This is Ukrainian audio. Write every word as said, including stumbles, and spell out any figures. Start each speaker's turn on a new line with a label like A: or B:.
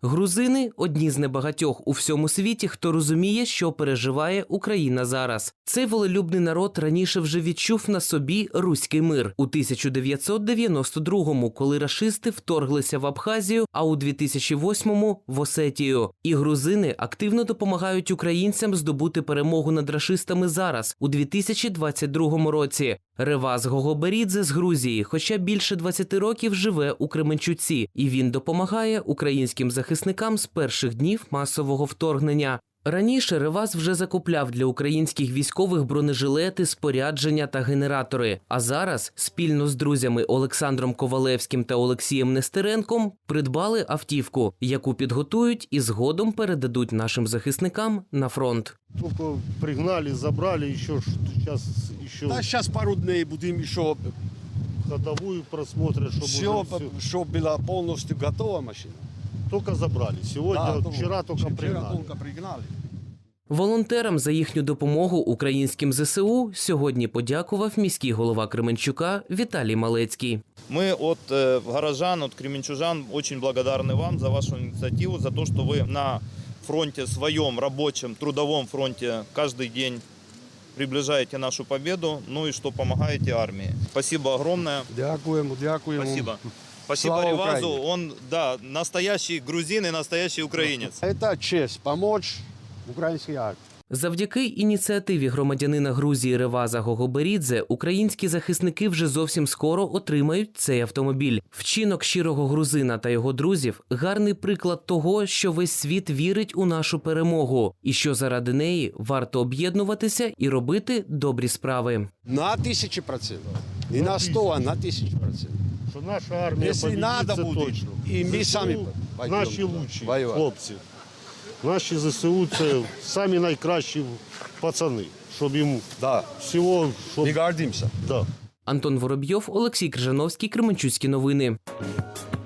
A: Грузини – одні з небагатьох у всьому світі, хто розуміє, що переживає Україна зараз. Цей волелюбний народ раніше вже відчув на собі руський мир. У тисяча дев'ятсот дев'яносто другому, коли рашисти вторглися в Абхазію, а у дві тисячі восьмому – в Осетію. І грузини активно допомагають українцям здобути перемогу над рашистами зараз, у дві тисячі двадцять другому році. Реваз Гогоберідзе з Грузії, хоча більше двадцяти років живе у Кременчуці, і він допомагає українським захисникам з перших днів масового вторгнення. Раніше Реваз вже закупляв для українських військових бронежилети, спорядження та генератори. А зараз спільно з друзями Олександром Ковалевським та Олексієм Нестеренком придбали автівку, яку підготують і згодом передадуть нашим захисникам на фронт.
B: Тільки пригнали, забрали, ще зараз... Ще...
C: Да, сейчас пару дней будем еще
B: ходовую просмотрят, чтобы
C: все,
B: уже все...
C: чтобы была полностью готова машина.
B: Только забрали. Сегодня,
C: Да,
B: вчера только
C: вчера
B: пригнали.
C: только пригнали.
A: Волонтерам за їхню допомогу українським зе се у сьогодні подякував міський голова Кременчука Віталій Малецький.
D: Мы от э, горожан, от кременчужан очень благодарны вам за вашу инициативу, за то, что вы на фронте своем, рабочем, трудовом фронте каждый день приближаете нашу победу, ну и что помогаете армии. Спасибо огромное.
C: Дякуємо, дякуємо.
D: Спасибо. Спасибо
C: Слава
D: Ревазу,
C: Украине.
D: он, да, настоящий грузин и настоящий украинец.
C: Это честь помочь украинской армии.
A: Завдяки ініціативі громадянина Грузії Реваза Гогоберідзе українські захисники вже зовсім скоро отримають цей автомобіль. Вчинок щирого грузина та його друзів – гарний приклад того, що весь світ вірить у нашу перемогу і що заради неї варто об'єднуватися і робити добрі справи.
C: На тысячи процентов. Не на сто, а на тысячу процентов.
B: Что наша армия
C: Если
B: победит,
C: надо
B: це
C: будет,
B: точно.
C: и мы
B: зе се у
C: сами пойдем
B: наші
C: туда
B: лучші
C: воювати.
B: хлопці. Наші зе се у – це самі найкращі пацани, щоб їм
C: Да,
B: всього, щоб...
C: мы гордимся.
B: Да.
A: Антон Воробйов, Олексій Крижановський, Кременчуцькі новини.